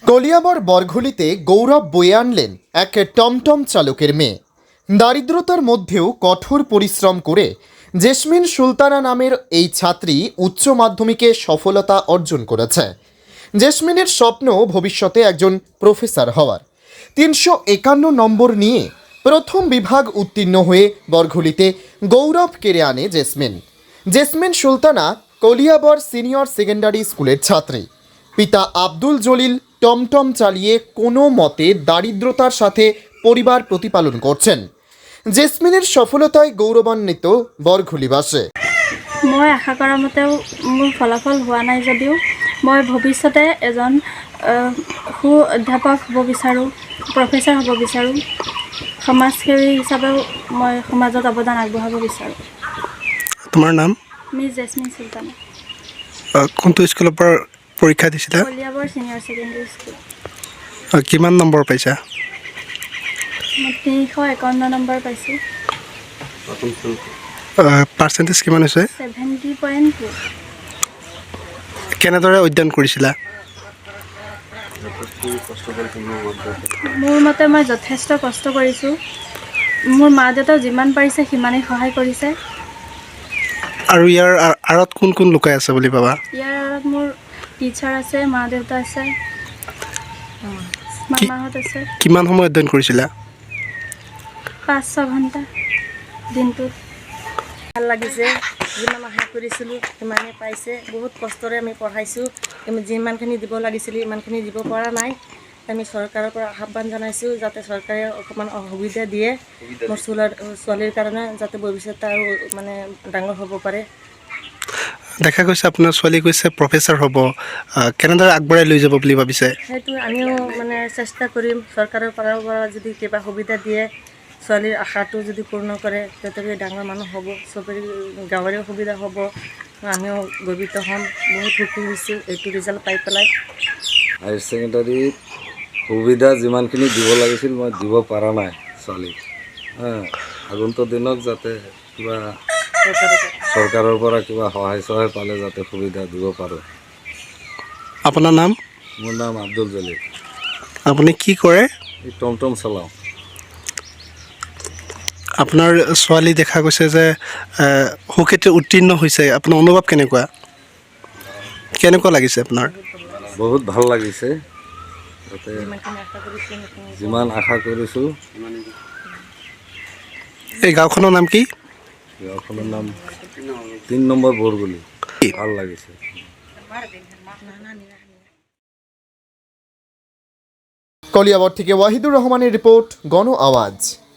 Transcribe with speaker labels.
Speaker 1: কলিয়াবর বরঘুলিতে গৌরব বয়ে আনলেন এক টমটম চালকের মেয়ে। দারিদ্রতার মধ্যেও কঠোর পরিশ্রম করে জেসমিন সুলতানা নামের এই ছাত্রী উচ্চ মাধ্যমিকে সফলতা অর্জন করেছে। জেসমিনের স্বপ্ন ভবিষ্যতে একজন প্রফেসর হওয়ার। 351 নম্বর নিয়ে প্রথম বিভাগ উত্তীর্ণ হয়ে বরঘুলিতে গৌরব কেড়ে আনে জেসমিন। জেসমিন সুলতানা কলিয়াবর সিনিয়র সেকেন্ডারি স্কুলের ছাত্রী। পিতা আব্দুল জলিল টমটম চালিয়ে কোনো মতে দারিদ্রতার সাথে পরিবার প্রতিপালন করছেন। জেসমিনের সফলতায় গৌৰৱান্বিত বৰঘুলিবাসী।
Speaker 2: মই আশা কৰা মতেও মোৰ ফলাফল হোৱা নাই যদিও মই ভৱিষ্যতে এজন সু অধ্যাপক হ'ব বিচাৰোঁ, প্ৰফেচাৰ হ'ব বিচাৰোঁ। সমাজসেৱী হিচাপেও মই সমাজত অৱদান আগবঢ়াব বিচাৰোঁ।
Speaker 3: তোমাৰ নাম?
Speaker 2: মিছ জেছমিন চুলতানা।
Speaker 3: কোনটো স্কুলৰ পৰা পৰীক্ষা দিছিলা?
Speaker 2: Kaliabor senior secondary school.
Speaker 3: কিমান নম্বৰ পাইছা?
Speaker 2: মই 351 নম্বৰ পাইছোঁ।
Speaker 3: পাৰ্চেণ্টেজ কিমান হৈছে?
Speaker 2: 70.2।
Speaker 3: কেনেদৰে অধ্যয়ন কৰিছিলা?
Speaker 2: মোৰ মতে মই যথেষ্ট কষ্ট কৰিছোঁ। মোৰ মা দেউতাও যিমান পাৰিছে সিমানেই সহায় কৰিছে।
Speaker 3: আৰু ইয়াৰ আঁৰত কোন কোন লুকাই আছে বুলি ভাবা?
Speaker 2: ইয়াৰ আঁৰত মোৰ টিচাৰ আছে, মা দেউতা আছে, মামাহঁত আছে।
Speaker 3: কিমান সময় অধ্যয়ন কৰিছিলা?
Speaker 2: 5-6 ঘণ্টা দিনটোত।
Speaker 4: ভাল লাগিছে, যিমান আশা কৰিছিলোঁ সিমানেই পাইছে। বহুত কষ্টৰে আমি পঢ়াইছোঁ, আমি যিমানখিনি দিব লাগিছিল ইমানখিনি দিব পৰা নাই। আমি চৰকাৰৰ পৰা আহ্বান জনাইছোঁ যাতে চৰকাৰে অকণমান সুবিধা দিয়ে মোৰ ছোৱালীৰ কাৰণে, যাতে ভৱিষ্যতে আৰু মানে ডাঙৰ হ'ব পাৰে।
Speaker 3: দেখা গৈছে আপোনাৰ ছোৱালী কৈছে প্ৰফেচাৰ হ'ব, কেনেদৰে আগবঢ়াই লৈ যাব বুলি ভাবিছে?
Speaker 4: সেইটো আমিও মানে চেষ্টা কৰিম, চৰকাৰৰ পৰা যদি কিবা সুবিধা দিয়ে, ছোৱালীৰ আশাটো যদি পূৰ্ণ কৰে তেতিয়াহ'লে ডাঙৰ মানুহ হ'ব, চবৰে গাঁৱৰে সুবিধা হ'ব, আমিও গৰ্বিত হ'ম। বহুত সুখী হৈছোঁ এইটো ৰিজাল্ট পাই পেলাই।
Speaker 5: হায়াৰ ছেকেণ্ডাৰীত সুবিধা যিমানখিনি দিব লাগিছিল মই দিব পৰা নাই ছোৱালীক। আগন্তুক দিনত যাতে কিবা চৰকাৰৰ পৰা কিবা সহায় পালে যাতে সুবিধা দিব পাৰোঁ।
Speaker 3: আপোনাৰ নাম?
Speaker 5: মোৰ নাম আব্দুল জলিল।
Speaker 3: আপুনি কি কৰে?
Speaker 5: এই টমটম চলাওঁ।
Speaker 3: আপোনাৰ ছোৱালী দেখা গৈছে যে সুখ্যাতিত উত্তীৰ্ণ হৈছে, আপোনাৰ অনুভৱ কেনেকুৱা? কেনেকুৱা লাগিছে আপোনাৰ?
Speaker 5: বহুত ভাল লাগিছে, যাতে যিমান আশা কৰিছোঁ।
Speaker 3: এই গাঁওখনৰ নাম কি?
Speaker 5: গাঁওখনৰ নাম 3 নম্বৰ বৰগুলি। ভাল লাগিছে।
Speaker 1: কলিয়াবর থেকে ওয়াহিদুর রহমানের রিপোর্ট, গণ আওয়াজ।